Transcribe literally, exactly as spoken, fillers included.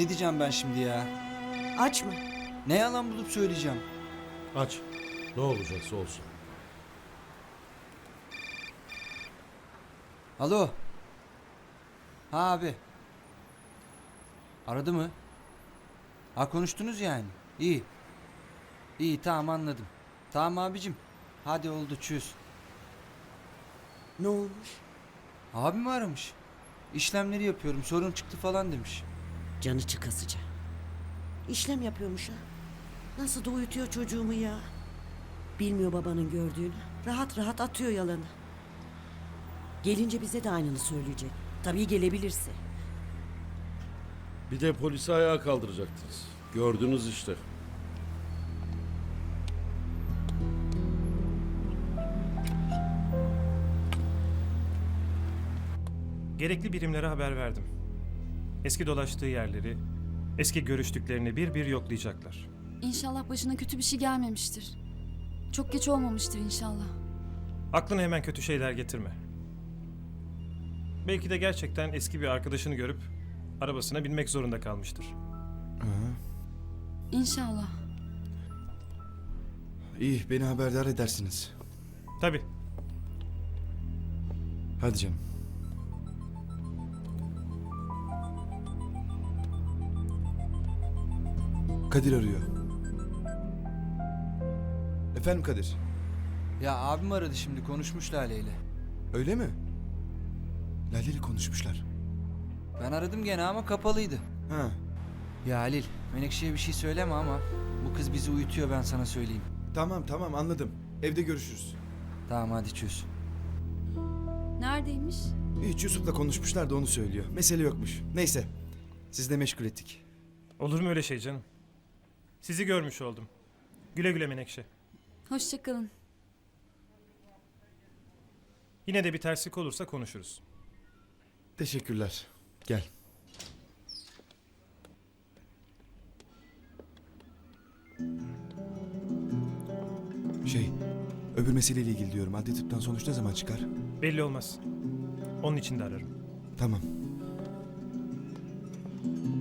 gideceğim ben şimdi ya. Aç mı? Ne yalan bulup söyleyeceğim. Aç. Ne olacaksa olsun. Alo. Ha abi. Aradı mı? Ha konuştunuz yani. İyi. İyi tamam anladım. Tamam abicim. Hadi oldu çüz. Ne olmuş? Abim aramış. İşlemleri yapıyorum sorun çıktı falan demiş. Canı çıkasıca. İşlem yapıyormuş ha. Nasıl da uyutuyor çocuğumu ya. Bilmiyor babanın gördüğünü. Rahat rahat atıyor yalanı. Gelince bize de aynını söyleyecek. Tabii gelebilirse. Bir de polisi ayağa kaldıracaktınız. Gördünüz işte. Gerekli birimlere haber verdim. Eski dolaştığı yerleri, eski görüştüklerini bir bir yoklayacaklar. İnşallah başına kötü bir şey gelmemiştir. Çok geç olmamıştır inşallah. Aklına hemen kötü şeyler getirme. Belki de gerçekten eski bir arkadaşını görüp arabasına binmek zorunda kalmıştır. İnşallah. İyi, beni haberdar edersiniz. Tabii. Hadi canım. Kadir arıyor. Efendim Kadir. Ya abim aradı şimdi konuşmuş Lale ile. Öyle mi? Lale ile konuşmuşlar. Ben aradım gene ama kapalıydı. Ha, Ya Halil Menekşe'ye bir şey söyleme ama bu kız bizi uyutuyor ben sana söyleyeyim. tamam tamam anladım. Evde görüşürüz. Tamam hadi çöz. Neredeymiş? Hiç Yusuf'la konuşmuşlar da onu söylüyor. Mesele yokmuş. Neyse. Siz de meşgul ettik. Olur mu öyle şey canım? Sizi görmüş oldum. Güle güle Menekşe. Hoşçakalın. Yine de bir terslik olursa konuşuruz. Teşekkürler. Gel. Şey, öbür meseleyle ilgili diyorum. Adli tıptan sonuç ne zaman çıkar? Belli olmaz. Onun için de ararım. Tamam.